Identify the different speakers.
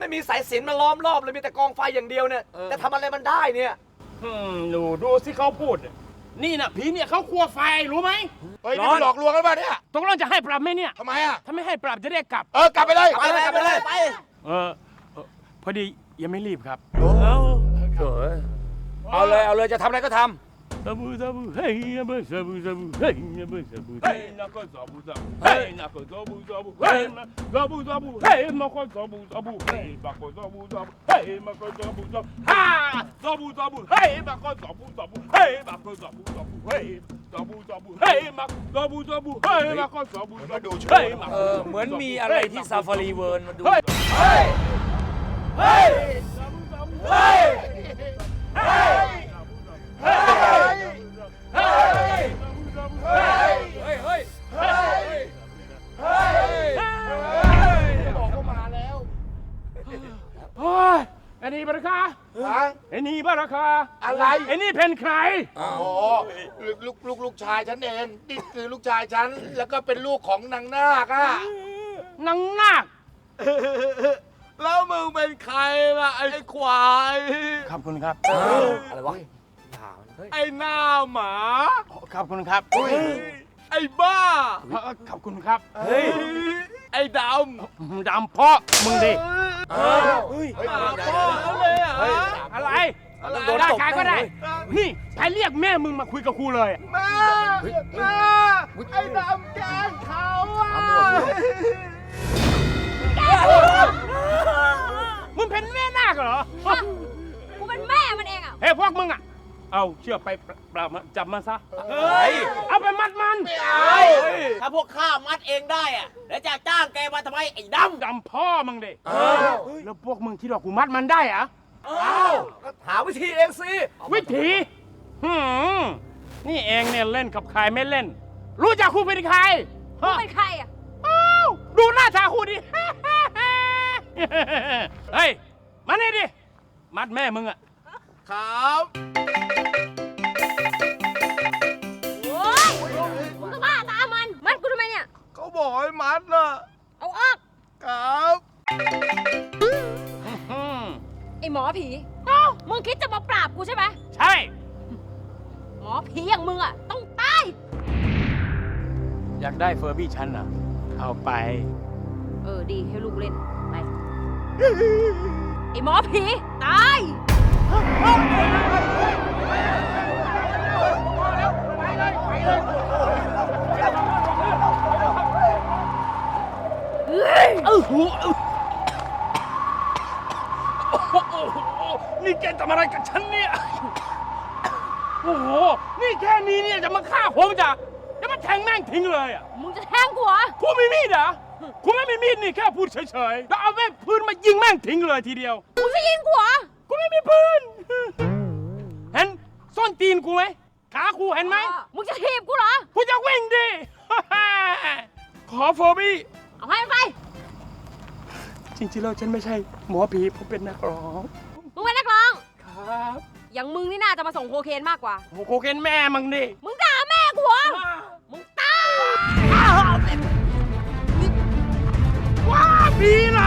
Speaker 1: ไม่มีสายสิญจน์มาล้อมรอบเลยมีแต่กองไฟอย่างเดียวเนี่ยจะทำอะไรมันได้เนี่ย
Speaker 2: หนูดูสิเขาพูดนี่นะผีเนี่ยเขากลัวไฟรู้ไหม
Speaker 3: เฮ้ยนี่หลอกลวงกันป่ะเนี่ย
Speaker 2: ตกลงจะให้ปรับไหมเนี่ย
Speaker 3: ทำไมอ่ะ
Speaker 2: ถ้าไม่ให้ปรับจะได้กลับ
Speaker 3: กลับไปเลย
Speaker 1: ไปเลยไป
Speaker 2: พอดียังไม่รีบครับ
Speaker 1: เอาเลยจะทำอะไรก็ทำ
Speaker 2: ซาบูซาบูเฮ้ยซาบูซาบูซาบูเฮ้ยซาบูซาบูเฮ้ยนักก็ซาบูซาบูเฮ้ยนักก็ซาบูซาบูเฮ้ยซาบูซาบูเฮ้ยนักก็ซาบูซาบูเฮ้ยนักก็ซาบูซาบูเฮ้ยนักก็ซาบูซาบูฮ่าซาบูซาบูเฮ้ยนักก็ซาบูซาบูเฮ้ยนักก็ซาบูซาบูเฮ้ยซาบูซาบูเฮ้ยนักซาบูซาบูเฮ้ยนักก็ซาบูซาบูเฮ้ย
Speaker 1: เหมือนมีอะไรที่ซาฟารีเวิร์นมาดู
Speaker 2: เฮ้ย
Speaker 1: เฮ้ยเฮ้ยเฮ้ยเฮ้ยเฮ้ยเฮ้ยเฮ้ยเฮ้ยเฮ้ยเฮ้ยเฮ้ยบอกว่ามาแล้ว
Speaker 2: โอ้ยไอ้นี่บาราคาไอ้นี่บาราคา
Speaker 3: อะไร
Speaker 2: ไอ้นี่เป็นใคร
Speaker 3: โอ้ลูกชายฉันเองนี่คือลูกชายฉันแล้วก็เป็นลูกของนางนาคอะ
Speaker 2: นางนาค
Speaker 1: แล้วมึงเป็นใครล่ะไอ้ควาย
Speaker 2: ขอบคุณครับ
Speaker 1: อะไรวะ
Speaker 2: ไอ้หน้าหมาขอบคุณครับ
Speaker 1: ไอ้บ้า
Speaker 2: ขอบคุณครับ
Speaker 1: ไอ้ด
Speaker 2: ำพ่อมึงดิ
Speaker 1: พ่อเลย
Speaker 2: อะไรได้ใครก็ได้นี่ใครเรียกแม่มึงมาคุยกับครูเลย
Speaker 1: แม่ไอ้ดำแกล้งเขา
Speaker 2: มึงเป็นแม่นาคเหรอ
Speaker 4: กูเป็นแม่มันเองอ่ะ
Speaker 2: เฮ้ยพวกมึงอ่ะเอาเชือกไปปราบมาจับมาซะเอาไปมัดมัน
Speaker 1: ไม่เอาถ้าพวกข้ามัดเองได้อะแล้วจะจ้างแกมาทำไมไอ้ด
Speaker 2: ำพ่อมึงดิแล้วพวกมึงคิดว่ากูมัดมันได้อะ
Speaker 1: หาวิธีเองสิ
Speaker 2: วิธีนี่เองเนี่ยเล่นกับใครไม่เล่นรู้จักครูเป็นใคร
Speaker 4: ครูเป็นใครอ่ะ
Speaker 2: ดูหน้าตาครูดิเฮ้ยมานี่ดิมัดแม่มึงอะ
Speaker 1: ครับ
Speaker 4: โอ้ยมึงก็บ้าตามันกูทำไมเนี่ย
Speaker 1: เขาบอกให้มัดน่ะ
Speaker 4: เอาออก
Speaker 1: ครับ
Speaker 4: ไอหมอผีมึงคิดจะมาปราบกูใช่ไหม
Speaker 2: ใช่
Speaker 4: หมอผีอย่างมึงอะต้องตาย
Speaker 2: อยากได้เฟอร์บี้ฉันอ่ะเอาไป
Speaker 4: ดีให้ลูกเล่นไปไอหมอผีตาย
Speaker 2: นี่แกทำอะไรกับฉันเนี่ยโอ้โหนี่แค่นี้เนี่ยจะมาฆ่าผมจะมาแทงแม่งทิ้งเลยอ่ะ
Speaker 4: มึงจะแทงกูเหรอ
Speaker 2: กูไม่มีดเหรอกูไม่มีมีดนี่แค่พูดเฉยๆแล้วเอาแม่ปืนมายิงแม่งทิ้งเลยทีเดียว
Speaker 4: มึงจะยิงกูเหรอ
Speaker 2: กูไม่มีปืนเห็นส้นตีนกูไหมขากูเห็นไหม
Speaker 4: มึงจะถีบกูเหรอ
Speaker 2: กูจะวิ่งดิขอเฟอร์บี้
Speaker 4: เอาให้ไป
Speaker 2: จริงๆแล้วฉันไม่ใช่หมอผีผมเป็นนักร้อง
Speaker 4: มึงเป็นนักร้อง
Speaker 2: ครับ
Speaker 4: อย่างมึงนี่น่าจะมาส่งโคเคนมากกว่า
Speaker 2: โคเคนแม่มึงดิ
Speaker 4: มึงด่าแม่กูเหรอมึงตาย
Speaker 2: ว้าผีเหรอ